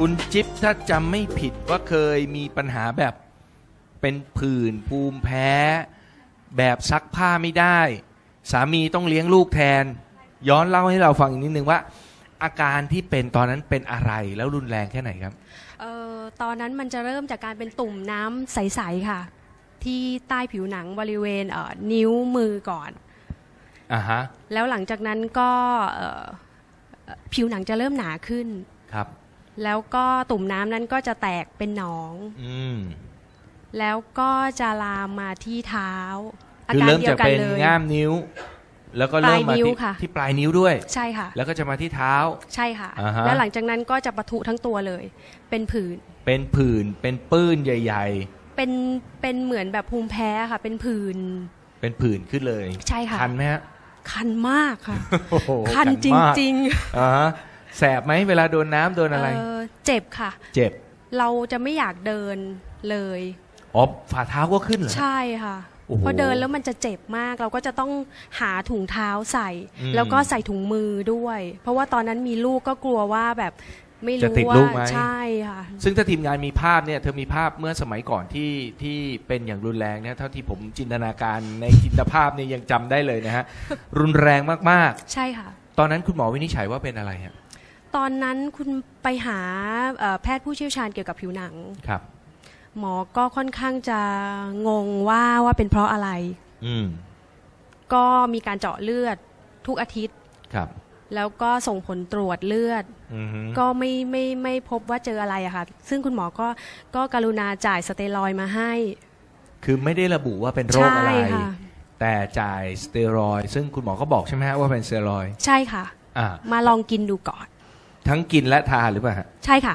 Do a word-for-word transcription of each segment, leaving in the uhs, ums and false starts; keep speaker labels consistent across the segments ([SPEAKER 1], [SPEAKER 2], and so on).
[SPEAKER 1] คุณจิ๊บถ้าจำไม่ผิดว่าเคยมีปัญหาแบบเป็นผื่นภูมิแพ้ แบบซักผ้าไม่ได้ สามีต้องเลี้ยงลูกแทน ย้อนเล่าให้เราฟังอีกนิดนึงว่า อาการที่เป็นตอนนั้นเป็นอะไรแล้วรุนแรงแค่ไหนครับ
[SPEAKER 2] เอ่อตอนนั้นมันจะเริ่มจากการเป็นตุ่มน้ำใสๆค่ะที่ใต้ผิวหนังบริเวณเอ่อนิ้วมือก่อน
[SPEAKER 1] อ่าฮะ
[SPEAKER 2] แล้วหลังจากนั้นก็เอ่อผิวหนังจะเริ่มหนาขึ้น
[SPEAKER 1] ครับ
[SPEAKER 2] แล้วก็ตุ่มน้ำนั้นก็จะแตกเป็นหนอง
[SPEAKER 1] อืม
[SPEAKER 2] แล้วก็จะลามมาที่เท้าอา
[SPEAKER 1] คือ
[SPEAKER 2] การ
[SPEAKER 1] เริ่ม
[SPEAKER 2] เดีย
[SPEAKER 1] จากเป็น
[SPEAKER 2] วกันเลย
[SPEAKER 1] ง่ามนิ้วแล้วก็เริ่มมาที่ที่ปลายนิ้วด้วย
[SPEAKER 2] ใช่ค่ะ
[SPEAKER 1] แล้วก็จะมาที่เท้า
[SPEAKER 2] ใช่ค่ะ
[SPEAKER 1] อ่าฮะ
[SPEAKER 2] แล้วหลังจากนั้นก็จะปะทุทั้งตัวเลยเป็นผื่น
[SPEAKER 1] เป็นผื่นเป็นปื้นใหญ่
[SPEAKER 2] ๆเป็นเป็นเหมือนแบบภูมิแพ้ค่ะเป็นผื่น
[SPEAKER 1] เป็นผื่นขึ้นเลย
[SPEAKER 2] ใช่ค่ะ
[SPEAKER 1] คันไหมฮะ
[SPEAKER 2] คันมากค่ะ
[SPEAKER 1] คั
[SPEAKER 2] นจริง
[SPEAKER 1] ๆอ่าฮะแสบไหมเวลาโดนน้ำโดนอะไร
[SPEAKER 2] เจ็บค่ะ
[SPEAKER 1] เจ็บ
[SPEAKER 2] เราจะไม่อยากเดินเลย
[SPEAKER 1] อ๋อฝ่าเท้าก็ขึ้นเหรอ
[SPEAKER 2] ใช่ค่ะพอเดินแล้วมันจะเจ็บมากเราก็จะต้องหาถุงเท้าใส่แล้วก็ใส่ถุงมือด้วยเพราะว่าตอนนั้นมีลูกก็กลัวว่าแบบไม่รู้ว่าใช่ค่ะ
[SPEAKER 1] ซึ่งถ้าทีมงานมีภาพเนี่ยเธอมีภาพเมื่อสมัยก่อนที่ที่เป็นอย่างรุนแรงเนี่ยเท่าที่ผมจินตนาการในจินตภาพเนี่ยยังจำได้เลยนะฮะ รุนแรงมาก
[SPEAKER 2] ๆใช่ค่ะ
[SPEAKER 1] ตอนนั้นคุณหมอวินิจฉัยว่าเป็นอะไรฮะ
[SPEAKER 2] ตอนนั้นคุณไปหาแพทย์ผู้เชี่ยวชาญเกี่ยวกับผิวหนัง
[SPEAKER 1] ครับ
[SPEAKER 2] หมอก็ค่อนข้างจะงงว่าว่าเป็นเพราะอะไร
[SPEAKER 1] อืม
[SPEAKER 2] ก็มีการเจาะเลือดทุกอาทิตย์
[SPEAKER 1] ครับ
[SPEAKER 2] แล้วก็ส่งผลตรวจเลือดก็ไม่ไม่ไม่พบว่าเจออะไรอะค่ะซึ่งคุณหมอก็ก็กรุณาจ่ายสเตียรอยด์มาให้
[SPEAKER 1] คือไม่ได้ระบุว่าเป็นโรคอะไรแต่จ่ายสเตียรอยด์ซึ่งคุณหมอก็บอกใช่ไหมฮะว่าเป็นสเตียรอยด์
[SPEAKER 2] ใช่ค่ะ
[SPEAKER 1] อ่า
[SPEAKER 2] มาลองกินดูก่อน
[SPEAKER 1] ทั้งกินและทานหรือเปล่าฮะ
[SPEAKER 2] ใช่ค่ะ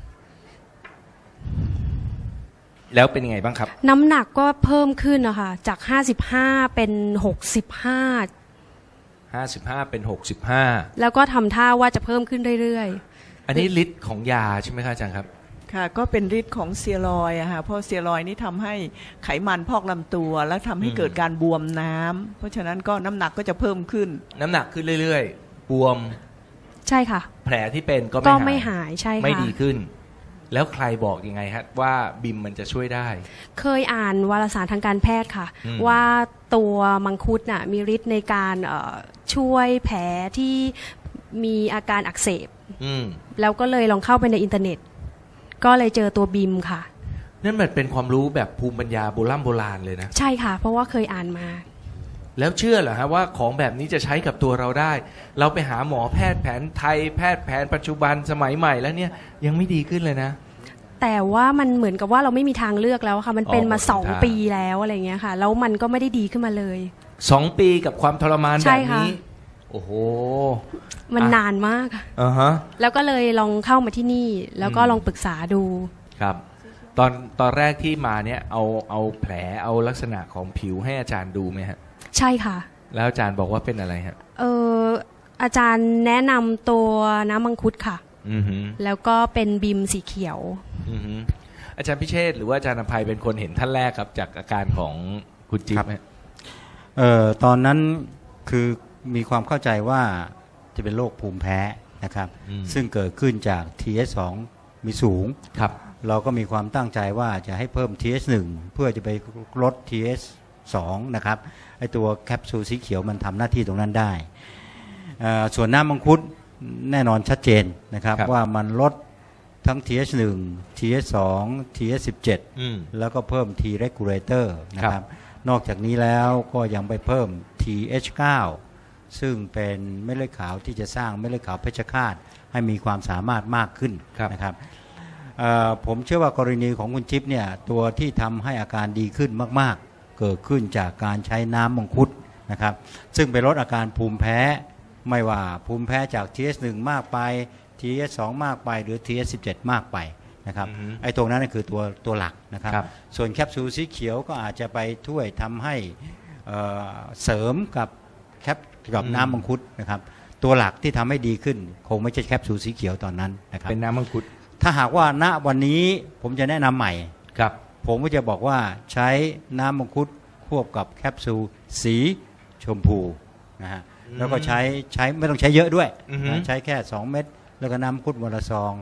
[SPEAKER 1] แล้วเป็นยังไงบ้างครับ
[SPEAKER 2] น้ำหนักก็เพิ่มขึ้นนะคะจากห้าสิบห้าเป็นหกสิบห้า
[SPEAKER 1] ห้าสิบห้าเป็นหกสิบห้า
[SPEAKER 2] แล้วก็ทำท่าว่าจะเพิ่มขึ้นเรื่อย
[SPEAKER 1] ๆอันนี้ฤทธิ์ของยาใช่ไหมครับอาจารย์ครับ
[SPEAKER 3] ค่ะก็เป็นฤทธิ์ของสเตียรอยด์อะค่ะเพราะสเตียรอยด์นี่ทำให้ไขมันพอกลำตัวแล้วทำให้เกิดการบวมน้ำเพราะฉะนั้นก็น้ำหนักก็จะเพิ่มขึ้น
[SPEAKER 1] น้ำหนักขึ้นเรื่อยๆบวม
[SPEAKER 2] ใช่ค่ะ
[SPEAKER 1] แผลที่เป็นก็
[SPEAKER 2] ก็ไม่หายใช่ค่ะ
[SPEAKER 1] ไม่ดีขึ้นแล้วใครบอกยังไงฮะว่าบิมมันจะช่วยได้
[SPEAKER 2] เคยอ่านวารสารทางการแพทย์ค่ะว่าตัวมังคุดน่ะมีฤทธิ์ในการช่วยแผลที่มีอาการอักเสบแล้วก็เลยลองเข้าไปในอินเทอร์เน็ตก็เลยเจอตัวบิมค่ะ
[SPEAKER 1] นั่นมันเป็นความรู้แบบภูมิปัญญาโบราณโบราณเลยนะ
[SPEAKER 2] ใช่ค่ะเพราะว่าเคยอ่านมา
[SPEAKER 1] แล้วเชื่อเหรอฮะว่าของแบบนี้จะใช้กับตัวเราได้เราไปหาหมอแพทย์แผนไทยแพทย์แผนปัจจุบันสมัยใหม่แล้วเนี่ยยังไม่ดีขึ้นเลยนะ
[SPEAKER 2] แต่ว่ามันเหมือนกับว่าเราไม่มีทางเลือกแล้วค่ะมันเป็นมาสองปีแล้วอะไรเงี้ยค่ะแล้วมันก็ไม่ได้ดีขึ้นมาเลย
[SPEAKER 1] สองปีกับความทรมานแบบนี้โอ้โห
[SPEAKER 2] มันนานมาก
[SPEAKER 1] อ่าฮะ
[SPEAKER 2] แล้วก็เลยลองเข้ามาที่นี่แล้วก็ลองปรึกษาดู
[SPEAKER 1] ครับตอนตอนแรกที่มาเนี่ยเอาเอาแผลเอาลักษณะของผิวให้อาจารย์ดูไหมฮะ
[SPEAKER 2] ใช่ค่ะ
[SPEAKER 1] แล้วอาจารย์บอกว่าเป็นอะไรฮะ
[SPEAKER 2] เอออาจารย์แนะนำตัวน้ำมังคุดค่ะ
[SPEAKER 1] อือฮึ
[SPEAKER 2] แล้วก็เป็นบิมสีเขียว
[SPEAKER 1] อือฮึอาจารย์พิเชษฐ์หรือว่าอาจารย์อภัยเป็นคนเห็นท่านแรกครับจากอาการของคุณจิ๊บ
[SPEAKER 4] ครับเอ่อตอนนั้นคือมีความเข้าใจว่าจะเป็นโรคภูมิแพ้นะครับซึ่งเกิดขึ้นจาก ที เอส สอง มีสูง
[SPEAKER 1] ครับ
[SPEAKER 4] เราก็มีความตั้งใจว่าจะให้เพิ่ม ที เอส หนึ่ง เพื่อจะไปลด ที เอส สอง นะครับไอตัวแคปซูลสีเขียวมันทำหน้าที่ตรงนั้นได้ส่วนน้ำมังคุดแน่นอนชัดเจนนะครับว่ามันลดทั้ง ที เอส หนึ่ง ที เอส สอง ที เอส สิบเจ็ด แล้วก็เพิ่ม T regulator นะครับนอกจากนี้แล้วก็ยังไปเพิ่ม ที เอช เก้า ซึ่งเป็นเม็ดเลือดขาวที่จะสร้างเม็ดเลือดขาวเพชฌฆาตให้มีความสามารถมากขึ้นนะครับผมเชื่อว่ากรณีของคุณจิ๊บเนี่ยตัวที่ทำให้อาการดีขึ้นมากๆเกิดขึ้นจากการใช้น้ำมังคุดนะครับซึ่งไปลดอาการภูมิแพ้ไม่ว่าภูมิแพ้จาก ที เอส หนึ่ง มากไป ที เอส สอง มากไปหรือ ที เอส สิบเจ็ด มากไปนะครับไอ้ตรงนั้นคือตัวตัวหลักนะครับส่วนแคปซูลสีเขียวก็อาจจะไปช่วยทำให้เสริมกับแคปกับน้ำมังคุดนะครับตัวหลักที่ทำให้ดีขึ้นคงไม่ใช่แคปซูลสีเขียวตอนนั้นนะครับ
[SPEAKER 1] เป็นน้ำมังคุด
[SPEAKER 4] ถ้าหากว่าณวันนี้ผมจะแนะนำใหม่
[SPEAKER 1] ครับ
[SPEAKER 4] ผมก็จะบอกว่าใช้น้ำมังคุดควบกับแคปซูลสีชมพูนะฮะแล้วก็ใช้ใช้ไม่ต้องใช้เยอะด้วยนะใช้แค่สองเม็ดแล้วก็น้ำมังคุดวันละซอง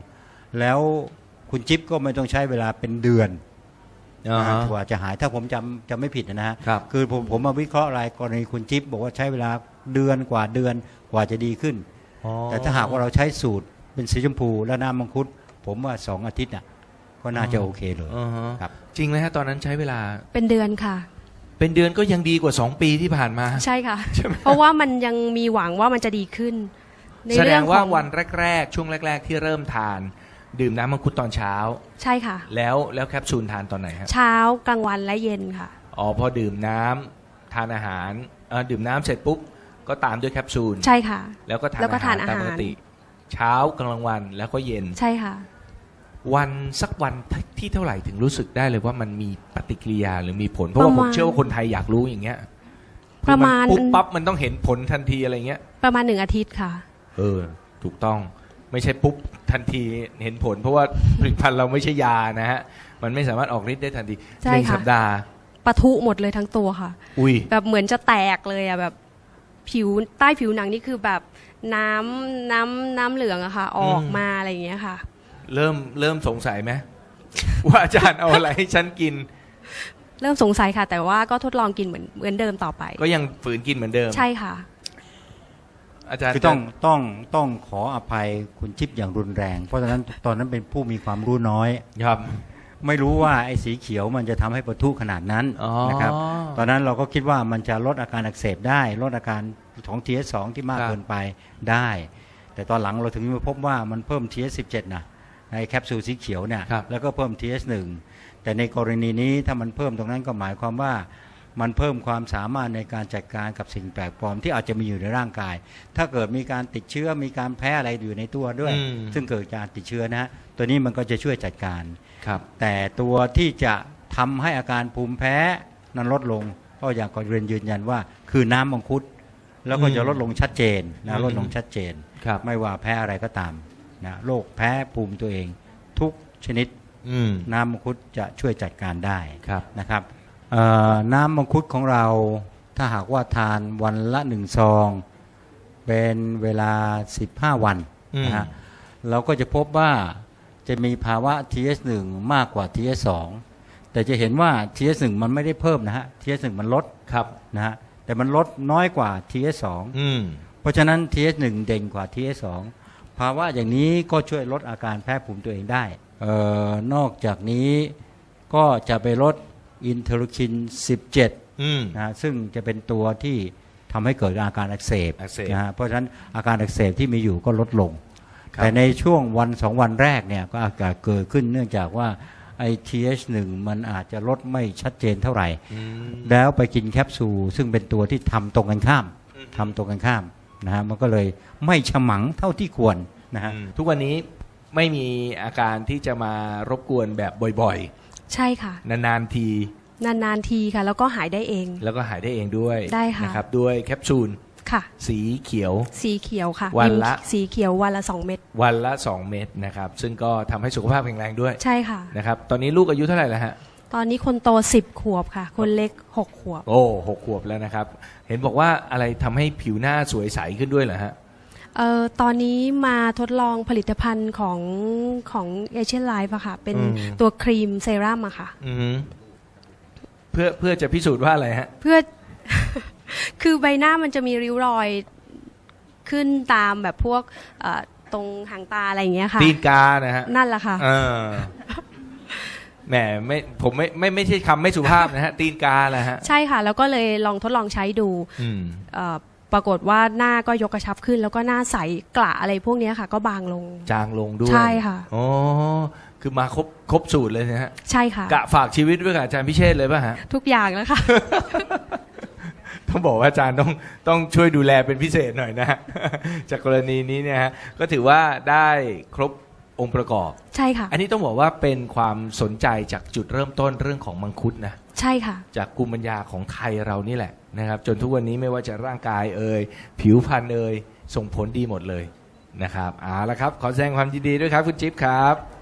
[SPEAKER 4] แล้วคุณจิ๊บก็ไม่ต้องใช้เวลาเป็นเดือน
[SPEAKER 1] อ่าฮะ
[SPEAKER 4] กว่าจะหายถ้าผมจำจำไม่ผิดนะฮะ
[SPEAKER 1] ครับ
[SPEAKER 4] คือผมผมมาวิเคราะห์รายกรณีคุณจิ๊บบอกว่าใช้เวลาเดือนกว่าเดือนกว่าจะดีขึ้น
[SPEAKER 1] อ๋อ
[SPEAKER 4] แต่ถ้าหากว่าเราใช้สูตรเป็นสีชมพูและน้ำมังคุดผมว่าสองอาทิตย์น่ะก็น่าจะโอเคเลย
[SPEAKER 1] อ่าฮะ
[SPEAKER 4] ครับ
[SPEAKER 1] จริงไหมฮะตอนนั้นใช้เวลา
[SPEAKER 2] เป็นเดือนค่ะ
[SPEAKER 1] เป็นเดือนก็ยังดีกว่าสองปีที่ผ่านมา
[SPEAKER 2] ใช่ค่ะ
[SPEAKER 1] ใช่ไหม
[SPEAKER 2] เพราะว่ามันยังมีหวังว่ามันจะดีขึ้นใน
[SPEAKER 1] แสด
[SPEAKER 2] เรื่อง
[SPEAKER 1] งว่า
[SPEAKER 2] ของ
[SPEAKER 1] วันแรกๆ ช่วงแรก ๆ ที่เริ่มทาน ดื่มน้ำมังคุดตอนเช้า
[SPEAKER 2] ใช่ค่ะ
[SPEAKER 1] แล้วแล้วแคปซูลทานตอนไหนฮะ
[SPEAKER 2] เช้ากลางวันและเย็นค่ะ
[SPEAKER 1] อ๋อพอดื่มน้ำทานอาหารเอ่อดื่มน้ำเสร็จปุ๊บก็ตามด้วยแคปซูล
[SPEAKER 2] ใช่ค่ะ
[SPEAKER 1] แล้วก็ทาน
[SPEAKER 2] แล้วก็
[SPEAKER 1] อาหาร
[SPEAKER 2] ทานอา
[SPEAKER 1] ตาม
[SPEAKER 2] หาร
[SPEAKER 1] ปกติ เช้ากลางวันแล้วก็เย็น
[SPEAKER 2] ใช่ค่ะ
[SPEAKER 1] วันสักวันที่เท่าไหร่ถึงรู้สึกได้เลยว่ามันมีปฏิกิริยาหรือมีผล เพราะว่า
[SPEAKER 2] ประ
[SPEAKER 1] ผ
[SPEAKER 2] มาณ
[SPEAKER 1] มเชื่อว่าคนไทยอยากรู้อย่างเงี้ย
[SPEAKER 2] ประมาณ
[SPEAKER 1] คือนปุ๊บปั๊บมันต้องเห็นผลทันทีอะไรเงี้ย
[SPEAKER 2] ประมาณหนึ่งอาทิตย์ค่ะ
[SPEAKER 1] เออ ถูกต้องไม่ใช่ปุ๊บทันทีเห็นผล เพราะว่าผลิตภัณฑ์เราไม่ใช่ยานะฮะมันไม่สามารถออกฤทธิ์ได้ทันที
[SPEAKER 2] ใช่
[SPEAKER 1] หนึ่ง
[SPEAKER 2] ค่ะ
[SPEAKER 1] สัปดาห์
[SPEAKER 2] ปะทุหมดเลยทั้งตัวค่ะ
[SPEAKER 1] อุ้ย
[SPEAKER 2] แบบเหมือนจะแตกเลยอะแบบผิวใต้ผิวหนังนี่คือแบบน้ำน้ำน้ำเหลืองอะค่ะ ออกมาอะไรอย่างเงี้ยค่ะ
[SPEAKER 1] เริ่มเริ่มสงสัยไหม ว่าอาจารย์เอาอะไรให้ฉันกิน
[SPEAKER 2] เริ่มสงสัยค่ะ แต่ว่าก็ทดลองกินเหมือนเหมือนเดิมต่อไป
[SPEAKER 1] ก็ยังฝืนกินเหมือนเดิม
[SPEAKER 2] ใช่ค่ะ
[SPEAKER 1] อาจารย์
[SPEAKER 4] คือต้องต้องต้องขออภัยคุณจิ๊บอย่างรุนแรง เพราะฉะนั้นตอนนั้นเป็นผู้มีความรู้น้อย
[SPEAKER 1] ครับ
[SPEAKER 4] ไม่รู้ว่าไอ้สีเขียวมันจะทำให้ปะทุขนาดนั้น
[SPEAKER 1] อ๋อ
[SPEAKER 4] นะครับตอนนั้นเราก็คิดว่ามันจะลดอาการอักเสบได้ ลดอาการของ ที เอส สอง ที่มาก
[SPEAKER 1] ครับ
[SPEAKER 4] เกินไปได้ แต่ตอนหลังเราถึงมาพบว่ามันเพิ่ม ที เอส สิบเจ็ด นะในแคปซูลสีเขียวเนี่ย
[SPEAKER 1] ครับ
[SPEAKER 4] แล้วก็เพิ่ม ที เอส หนึ่ง แต่ในกรณีนี้ถ้ามันเพิ่มตรงนั้นก็หมายความว่ามันเพิ่มความสามารถในการจัดการกับสิ่งแปลกปลอมที่อาจจะมีอยู่ในร่างกาย ถ้าเกิดมีการติดเชื้อมีการแพ้อะไรอยู่ในตัวด้วย
[SPEAKER 1] อืม
[SPEAKER 4] ซึ่งเกิดจากติดเชื้อนะฮะตัวนี้มันก็จะช่วยจัดการ
[SPEAKER 1] ครับ
[SPEAKER 4] แต่ตัวที่จะทำให้อาการภูมิแพ้นั้นลดลงก็อยากขอเรียนยืนยันว่าคือน้ำมังคุดแล้วก็จะลดลงชัดเจน
[SPEAKER 1] อื
[SPEAKER 4] นะ
[SPEAKER 1] ม
[SPEAKER 4] ลดลงชัดเจน
[SPEAKER 1] ครับ
[SPEAKER 4] ไม่ว่าแพ้อะไรก็ตามนะโรคแพ้ภูมิตัวเอง ทุกชนิด
[SPEAKER 1] อืม
[SPEAKER 4] น้ำมังคุดจะช่วยจัดการได้
[SPEAKER 1] ครับ
[SPEAKER 4] นะครับเอ่อน้ำมังคุดของเราถ้าหากว่าทานวันละหนึ่งซอง เป็นเวลาสิบห้าวันนะฮะเราก็จะพบว่าจะมีภาวะ ที เอส หนึ่ง มากกว่า ที เอส สอง แต่จะเห็นว่า ที เอส หนึ่ง มันไม่ได้เพิ่มนะฮะ ที เอส หนึ่ง มันลด
[SPEAKER 1] ครับ
[SPEAKER 4] นะฮะแต่มันลดน้อยกว่า ที เอส สอง
[SPEAKER 1] อืม
[SPEAKER 4] เพราะฉะนั้น ที เอส หนึ่ง เด่นกว่า ที เอส สอง ภาวะอย่างนี้ก็ช่วยลดอาการแพ้ภูมิตัวเองได้เอ่อนอกจากนี้ก็จะไปลดอินเทอร์คิน สิบเจ็ด
[SPEAKER 1] อืม
[SPEAKER 4] นะฮะซึ่งจะเป็นตัวที่ทำให้เกิดอาการอักเสบ
[SPEAKER 1] อักเสบ
[SPEAKER 4] นะฮะเพราะฉะนั้นอาการอักเสบที่มีอยู่ก็ลดลง
[SPEAKER 1] ครับ
[SPEAKER 4] แต่ในช่วงวันสองวันแรกเนี่ยก็อาการเกิดขึ้นเนื่องจากว่าไอ ที เอช หนึ่ง มันอาจจะลดไม่ชัดเจนเท่าไหร่
[SPEAKER 1] อืม
[SPEAKER 4] แล้วไปกินแคปซูลซึ่งเป็นตัวที่ทำตรงกันข้ามทำตรงกันข้ามนะฮะมันก็เลยไม่ฉมังเท่าที่ควรนะฮะ
[SPEAKER 1] อืมทุกวันนี้ไม่มีอาการที่จะมารบกวนแบบบ่อย
[SPEAKER 2] ใช่ค่ะ
[SPEAKER 1] ๆ นานๆที
[SPEAKER 2] นานๆทีค่ะ แล้วก็หายได้เอง
[SPEAKER 1] แล้วก็หายได้เองด้วย
[SPEAKER 2] ได้ค่ะ
[SPEAKER 1] นะครับด้วยแคปซูล
[SPEAKER 2] ค่ะ
[SPEAKER 1] สีเขียว
[SPEAKER 2] สีเขียวค่ะ
[SPEAKER 1] วันละ
[SPEAKER 2] ยิ้มสีเขียววันละสองเม็ด
[SPEAKER 1] วันละสองเม็ดนะครับ ซึ่งก็ทำให้สุขภาพแข็งแรงด้วย
[SPEAKER 2] ใช่ค่ะ
[SPEAKER 1] นะครับ ตอนนี้ลูกอายุเท่าไหร่แล้วฮะ
[SPEAKER 2] ตอนนี้คนโตสิบขวบค่ะ คนเล็กหกขวบ
[SPEAKER 1] โอ้หกขวบแล้วนะครับ เห็นบอกว่าอะไรทำให้ผิวหน้าสวยใสขึ้นด้วยเหรอฮะ
[SPEAKER 2] เอ่อตอนนี้มาทดลองผลิตภัณฑ์ของของเอเชียนไลฟ์อะค่ะ เป็น
[SPEAKER 1] อืม
[SPEAKER 2] ตัวครีมเซรั่มอะค่ะ
[SPEAKER 1] อือฮึเพื่อเพื่อจะพิสูจน์ว่าอะไรฮะ
[SPEAKER 2] เพื่อ คือใบหน้ามันจะมีริ้วรอยขึ้นตามแบบพวกเอ่อตรงหางตาอะไรอย่างเงี้ยค่ะ
[SPEAKER 1] ตีนกานะฮะ
[SPEAKER 2] นั่นแหละค่ะ
[SPEAKER 1] เออแหมไม่ผมไม่ไม่ไม่ใช่คำไม่สุภาพนะฮะ ตีนกาแหละฮะ
[SPEAKER 2] ใช่ค่ะ แล้วก็เลยลองทดลองใช้ดู
[SPEAKER 1] อืม
[SPEAKER 2] เอ่อปรากฏว่าหน้าก็ยกกระชับขึ้น แล้วก็หน้าใสกระอะไรพวกเนี้ยค่ะ ก็บางลง
[SPEAKER 1] จางลงด้วย
[SPEAKER 2] ใช่ค่ะ
[SPEAKER 1] อ๋อคือมาครบครบสูตรเลยนะฮะ
[SPEAKER 2] ใช่ค่ะ
[SPEAKER 1] กะฝากชีวิตไว้กับอาจารย์พิเชษฐ์เลยป่ะฮะ
[SPEAKER 2] ทุกอย่างแล้วค่ะ
[SPEAKER 1] ต้องบอกว่าอาจารย์ต้องต้องช่วยดูแลเป็นพิเศษหน่อยนะ ฮะ จากกรณีนี้เนี่ยฮะก็ถือว่าได้ครบองค์ประกอบ
[SPEAKER 2] ใช่ค่ะ
[SPEAKER 1] อันนี้ต้องบอกว่าเป็นความสนใจจากจุดเริ่มต้นเรื่องของมังคุดนะ
[SPEAKER 2] ใช่ค่ะ
[SPEAKER 1] จากภูมิปัญญาของไทยเรานี่แหละนะครับ จนทุกวันนี้ไม่ว่าจะร่างกายเอ่ยผิวพรรณเอ่ยส่งผลดีหมดเลยนะครับเอาละครับ ขอแสดงความยินดีด้วยครับคุณจิ๊บครับ